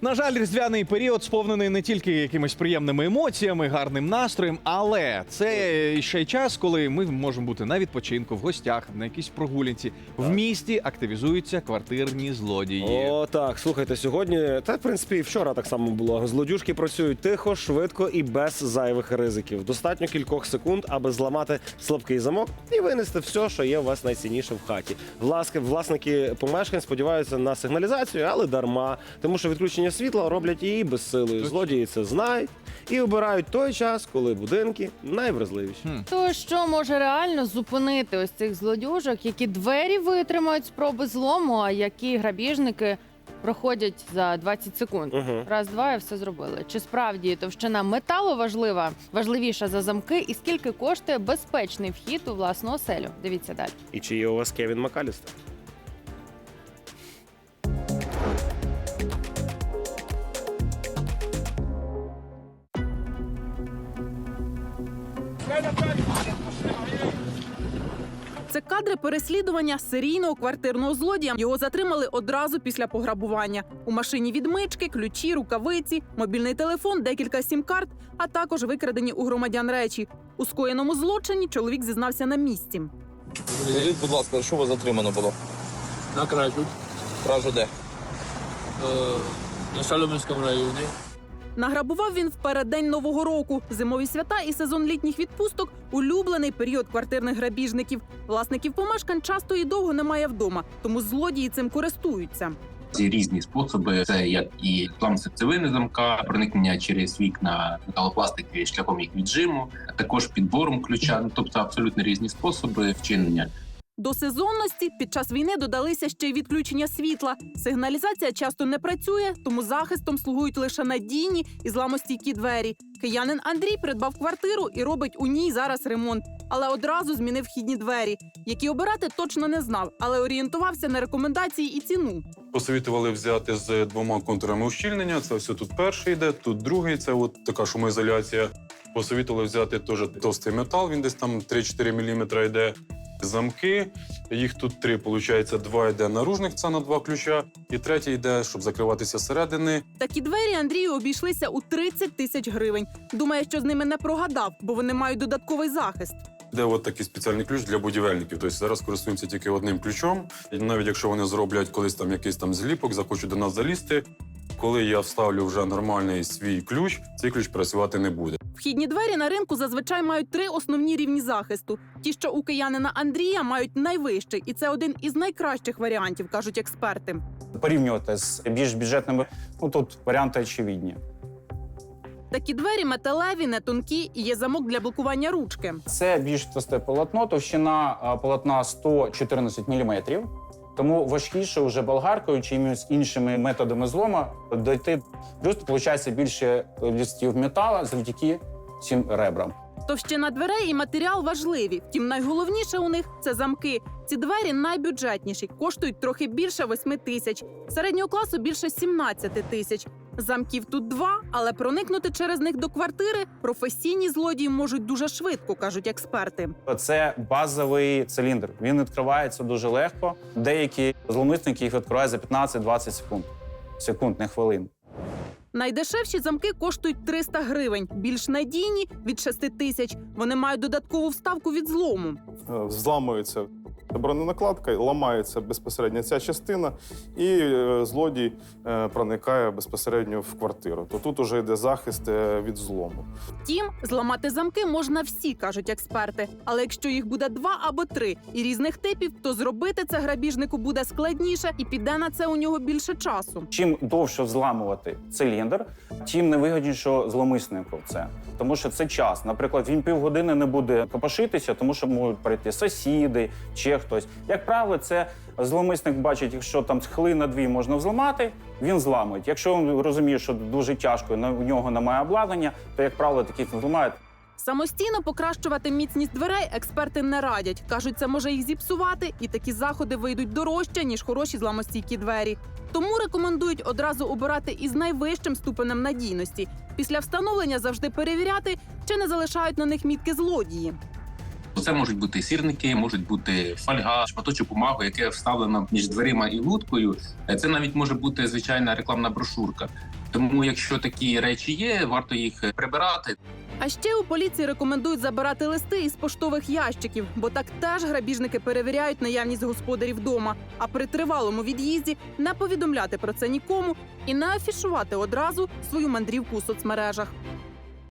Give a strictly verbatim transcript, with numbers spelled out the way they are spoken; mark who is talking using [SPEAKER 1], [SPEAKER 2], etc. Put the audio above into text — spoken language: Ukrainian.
[SPEAKER 1] На жаль, різдвяний період сповнений не тільки якимись приємними емоціями, гарним настроєм, але це ще й час, коли ми можемо бути на відпочинку, в гостях, на якійсь прогулянці. В місті активізуються квартирні злодії.
[SPEAKER 2] О, так, слухайте, сьогодні, та в принципі і вчора так само було. Злодюжки працюють тихо, швидко і без зайвих ризиків. Достатньо кількох секунд, аби зламати слабкий замок і винести все, що є у вас найцінніше в хаті. Власки, власники помешкань сподіваються на сигналізацію, але дарма, тому що відключення світла роблять її безсилою. Злодії це знають і обирають той час, коли будинки найвразливіші.
[SPEAKER 1] Хм.
[SPEAKER 3] То що може реально зупинити ось цих злодюжок, які двері витримають спроби злому, а які грабіжники проходять за двадцять секунд?
[SPEAKER 2] Угу.
[SPEAKER 3] Раз-два і все зробили. Чи справді товщина металу важлива, важливіша за замки? І скільки коштує безпечний вхід у власну оселю? Дивіться далі.
[SPEAKER 2] І чи є у вас Кевін Макалістер?
[SPEAKER 4] Це кадри переслідування серійного квартирного злодія. Його затримали одразу після пограбування. У машині відмички, ключі, рукавиці, мобільний телефон, декілька сім-карт, а також викрадені у громадян речі. У скоєному злочині чоловік зізнався на місці.
[SPEAKER 5] Скажіть, будь ласка, що вас затримано було?
[SPEAKER 6] На кражу
[SPEAKER 5] Кражу де?
[SPEAKER 6] е, на Солом'янському районі.
[SPEAKER 4] Награбував він в переддень Нового року. Зимові свята і сезон літніх відпусток – улюблений період квартирних грабіжників. Власників помешкань часто і довго немає вдома, тому злодії цим користуються.
[SPEAKER 7] Є різні способи. Це як і злам серцевини замка, проникнення через вікна металопластики шляхом їх віджиму, також підбором ключа. Ну, тобто абсолютно різні способи вчинення.
[SPEAKER 4] До сезонності під час війни додалися ще й відключення світла. Сигналізація часто не працює, тому захистом слугують лише надійні і зламостійкі двері. Киянин Андрій придбав квартиру і робить у ній зараз ремонт. Але одразу змінив вхідні двері. Які обирати точно не знав, але орієнтувався на рекомендації і ціну.
[SPEAKER 8] Посовітували взяти з двома контурами ущільнення. Це все тут перший йде, тут другий. Це от така шумоізоляція. Посовітували взяти теж товстий метал, він десь там три-чотири міліметри йде. Замки, їх тут три, виходить, два йде наружних, це на два ключа, і третій йде, щоб закриватися зсередини.
[SPEAKER 4] Такі двері Андрію обійшлися у тридцять тисяч гривень. Думає, що з ними не прогадав, бо вони мають додатковий захист.
[SPEAKER 8] Де от такий спеціальний ключ для будівельників. Тобто зараз користуємося тільки одним ключом. І навіть якщо вони зроблять колись там якийсь там зліпок, захочуть до нас залізти, коли я вставлю вже нормальний свій ключ, цей ключ працювати не буде.
[SPEAKER 4] Вхідні двері на ринку зазвичай мають три основні рівні захисту. Ті, що у киянина Андрія, мають найвищий. І це один із найкращих варіантів, кажуть експерти.
[SPEAKER 9] Порівнювати з більш бюджетними, ну тут варіанти очевидні.
[SPEAKER 4] Такі двері металеві, не тонкі і є замок для блокування ручки.
[SPEAKER 9] Це більш товсте полотно, товщина а, полотна сто чотирнадцять міліметрів. Тому важкіше вже болгаркою чи якимись іншими методами злому дойти. Плюс, виходить, більше листів металу завдяки цим ребрам.
[SPEAKER 4] Товщина дверей і матеріал важливі. Втім, найголовніше у них – це замки. Ці двері найбюджетніші, коштують трохи більше восьми тисяч. Середнього класу – більше сімнадцяти тисяч. Замків тут два, але проникнути через них до квартири професійні злодії можуть дуже швидко, кажуть експерти.
[SPEAKER 9] Це базовий циліндр. Він відкривається дуже легко. Деякі зловмисники їх відкривають за п'ятнадцять-двадцять секунд. Секунд, не хвилин.
[SPEAKER 4] Найдешевші замки коштують триста гривень, більш надійні – від шести тисяч. Вони мають додаткову вставку від злому.
[SPEAKER 10] Зламується броненакладка, ламається безпосередньо ця частина, і е, злодій е, проникає безпосередньо в квартиру. То тут уже йде захист е, від злому.
[SPEAKER 4] Втім, зламати замки можна всі, кажуть експерти. Але якщо їх буде два або три і різних типів, то зробити це грабіжнику буде складніше і піде на це у нього більше часу.
[SPEAKER 9] Чим довше взламувати циліндр, тим невигідніше зловмиснику це. Тому що це час. Наприклад, він півгодини не буде копошитися, тому що можуть прийти сусіди чи хтось. Як правило, це зловмисник бачить, якщо там хвилина-дві можна взламати, він зламує. Якщо він розуміє, що дуже тяжко, у нього немає обладнання, то, як правило, таких не зламають.
[SPEAKER 4] Самостійно покращувати міцність дверей експерти не радять. Кажуть, це може їх зіпсувати, і такі заходи вийдуть дорожче, ніж хороші зламостійкі двері. Тому рекомендують одразу обирати із найвищим ступенем надійності. Після встановлення завжди перевіряти, чи не залишають на них мітки злодії.
[SPEAKER 7] це можуть бути сірники, можуть бути фольга, шматочок бумаги, яке вставлено між дверима і луткою. Це навіть може бути звичайна рекламна брошурка. Тому, якщо такі речі є, варто їх прибирати.
[SPEAKER 4] А ще у поліції рекомендують забирати листи із поштових ящиків, бо так теж грабіжники перевіряють наявність господарів вдома. А при тривалому від'їзді не повідомляти про це нікому і не афішувати одразу свою мандрівку у соцмережах.